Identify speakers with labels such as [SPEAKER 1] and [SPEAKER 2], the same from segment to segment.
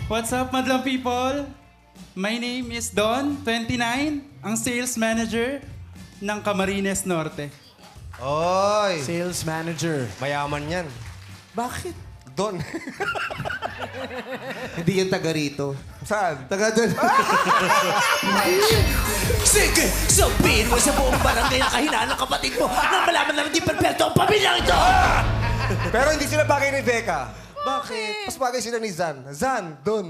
[SPEAKER 1] What's up, madlang people? My name is Don, 29, ang sales manager ng Camarines Norte.
[SPEAKER 2] Oy!
[SPEAKER 3] Sales manager.
[SPEAKER 2] Mayaman yan.
[SPEAKER 3] Bakit?
[SPEAKER 2] Don.
[SPEAKER 3] Hindi yung taga rito.
[SPEAKER 2] Saan?
[SPEAKER 3] Taga doon.
[SPEAKER 4] Sige, sabihin mo sa buong barangay na kahinaan ng kapatid mo nang malaman na hindi perfecto ang pamilyang ito!
[SPEAKER 2] Pero hindi sila bagay ni Becca.
[SPEAKER 3] Bakit?
[SPEAKER 2] Mas bagay sila ni Zan. Zan, Don.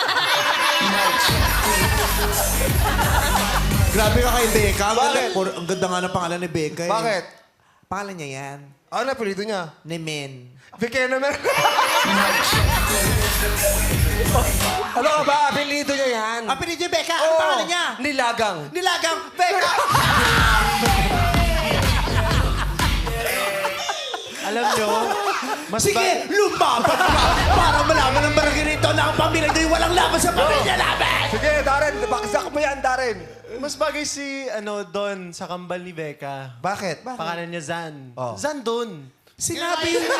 [SPEAKER 3] Grabe ka kay Becca.
[SPEAKER 2] Bakit?
[SPEAKER 3] Ang ganda nga ng pangalan ni Becca. Eh.
[SPEAKER 2] Bakit?
[SPEAKER 3] Pangalan niya yan.
[SPEAKER 2] Ano na apelido niya?
[SPEAKER 3] Nemen.
[SPEAKER 2] Becca naman. Ano ka ba? Apelido niya yan.
[SPEAKER 3] Apelido niya Becca. Ano pangalan niya?
[SPEAKER 2] Nilagang.
[SPEAKER 3] Nilagang Becca.
[SPEAKER 4] Alam nyo,
[SPEAKER 3] Sige, lumaban ka para malaman ng barangay rito na ang pamilya nyo'y walang laban sa pamilya namin!
[SPEAKER 2] Sige, Darren. Baksak mo yan, Darren.
[SPEAKER 5] Mas bagay si Don sa kambal ni Becca.
[SPEAKER 2] Bakit?
[SPEAKER 5] Pangalan niya Zan.
[SPEAKER 2] Oh.
[SPEAKER 5] Zan Don.
[SPEAKER 3] Sinabi yun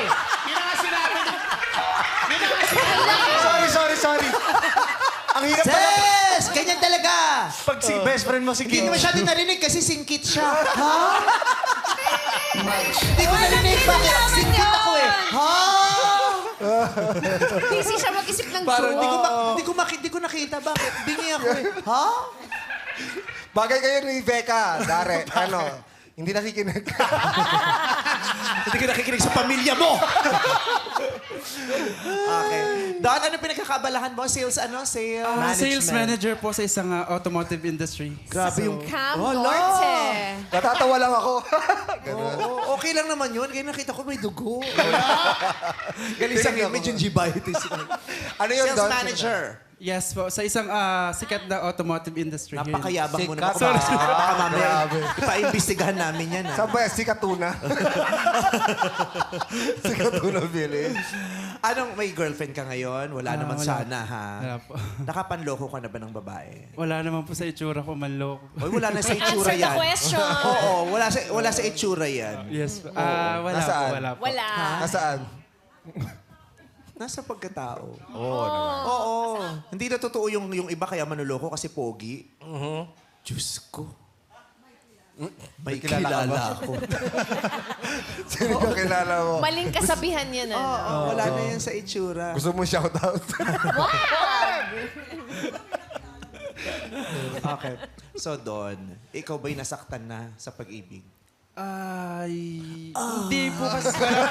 [SPEAKER 2] Sorry. Ang hirap pala.
[SPEAKER 3] Yes! Ganyan talaga!
[SPEAKER 5] Pag si best friend mo si
[SPEAKER 3] Hindi
[SPEAKER 5] Kim.
[SPEAKER 3] niya masyado narinig kasi singkit siya. Ha? Hindi ko narinig. Bakit? Singkit ako eh. Ha?
[SPEAKER 6] Busy siya mag-isip ng
[SPEAKER 3] Parang
[SPEAKER 6] joke.
[SPEAKER 3] di ko nakita. Bakit? Bingi ako eh. Ha?
[SPEAKER 2] Bagay kayo ni Becca, Darren. Ano? Hindi nakikinig.
[SPEAKER 3] Hindi ka nakikinig sa pamilya mo. Okay. Don, ano pinagkakabalahan mo? Sales ano?
[SPEAKER 1] Sales manager po sa isang automotive industry.
[SPEAKER 3] Grabe yung...
[SPEAKER 6] Cam
[SPEAKER 3] Wala.
[SPEAKER 6] Norte.
[SPEAKER 2] Natatawa lang ako.
[SPEAKER 3] Oo, okay lang naman yun. Kaya nakita ko may dugo. Galing sa
[SPEAKER 2] Tingnan
[SPEAKER 3] image
[SPEAKER 2] ko.
[SPEAKER 3] yung gibitis.
[SPEAKER 2] Ano yun,
[SPEAKER 3] Sales
[SPEAKER 2] Don?
[SPEAKER 3] manager.
[SPEAKER 1] Yes po, sa isang sikat na automotive industry. here in-
[SPEAKER 3] Napakayabang mo naman.
[SPEAKER 2] Sikat.
[SPEAKER 3] Baka mamaya,
[SPEAKER 2] Grabe.
[SPEAKER 3] ipaimbestigahan namin yan.
[SPEAKER 2] Saan ba yan? Si Katuna. Si Katuna Village.
[SPEAKER 3] Anong may girlfriend ka ngayon? Wala naman
[SPEAKER 1] wala.
[SPEAKER 3] sana, ha?
[SPEAKER 1] Wala po.
[SPEAKER 3] Nakapanloko ka na ba ng babae?
[SPEAKER 1] Wala naman po sa itsura ko, manloko.
[SPEAKER 3] Oy, wala na sa itsura
[SPEAKER 6] Answer the
[SPEAKER 3] yan.
[SPEAKER 6] question.
[SPEAKER 3] Oo, wala sa itsura yan.
[SPEAKER 1] Yes po. Wala
[SPEAKER 2] Nasaan?
[SPEAKER 1] po, wala po.
[SPEAKER 6] Wala.
[SPEAKER 2] Nasaan?
[SPEAKER 3] Nasa pagkatao.
[SPEAKER 2] Oo.
[SPEAKER 3] Hindi na totoo yung iba kaya manuloko kasi pogi. Diyos ko. May
[SPEAKER 2] kilala ka ba?
[SPEAKER 3] kilala ako.
[SPEAKER 2] Sino ka kilala mo?
[SPEAKER 6] Maling kasabihan yan.
[SPEAKER 3] Oo, wala na yan sa itsura.
[SPEAKER 2] Gusto mo shoutout?
[SPEAKER 3] Okay. So, Don, ikaw ba'y nasaktan na sa pag-ibig?
[SPEAKER 1] Hindi po kasi.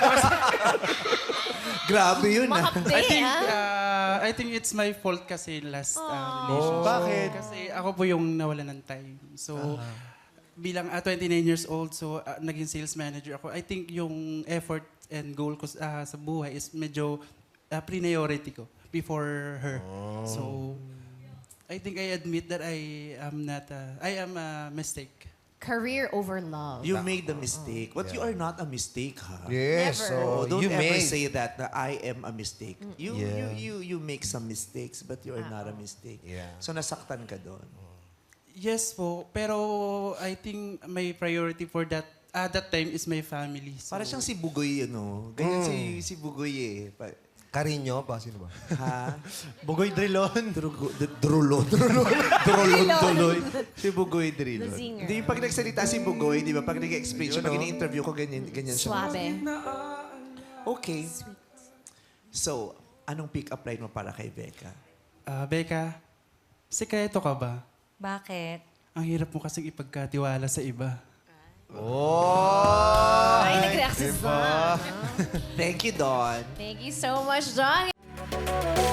[SPEAKER 3] Grabe yun, ah.
[SPEAKER 6] Mahapde,
[SPEAKER 1] I think it's my fault kasi last relationship.
[SPEAKER 5] Bakit?
[SPEAKER 1] Kasi ako po yung nawalan ng time. So, bilang 29 years old, so naging sales manager ako. I think yung effort and goal ko sa buhay is medyo priority ko before her. So, I think I admit that I am a mistake.
[SPEAKER 6] Career over love.
[SPEAKER 3] You made the mistake. But you are not a mistake, ha?
[SPEAKER 2] Yes.
[SPEAKER 6] Never.
[SPEAKER 2] So,
[SPEAKER 3] Don't
[SPEAKER 2] you
[SPEAKER 3] ever
[SPEAKER 2] made.
[SPEAKER 3] say that na I am a mistake.
[SPEAKER 2] Yeah.
[SPEAKER 3] You make some mistakes, but you are not a mistake.
[SPEAKER 2] Yeah.
[SPEAKER 3] So nasaktan ka doon.
[SPEAKER 1] Yes po, pero I think my priority for that time is my family. So,
[SPEAKER 3] Para siyang si Bugoy, ano? Ganyan si Bugoy eh.
[SPEAKER 2] Carino ba? Sino ba?
[SPEAKER 3] Ha?
[SPEAKER 5] Bugoy Drilon.
[SPEAKER 3] Drulon. Drulon tuloy. Si Bugoy Drilon.
[SPEAKER 6] The zinger.
[SPEAKER 3] Hindi, pag nagsalita si Bugoy, di ba? Pag nag-explain siya, pag ini-interview ko, ganyan siya.
[SPEAKER 6] Suave.
[SPEAKER 3] Okay. So, anong pick-up line mo para kay Becca?
[SPEAKER 1] Becca, sikreto ka ba?
[SPEAKER 6] Bakit?
[SPEAKER 1] Ang hirap mo kasing ipagkatiwala sa iba.
[SPEAKER 6] Ay, nag-react si Zan.
[SPEAKER 3] Thank you, Don.
[SPEAKER 6] Thank you so much, John.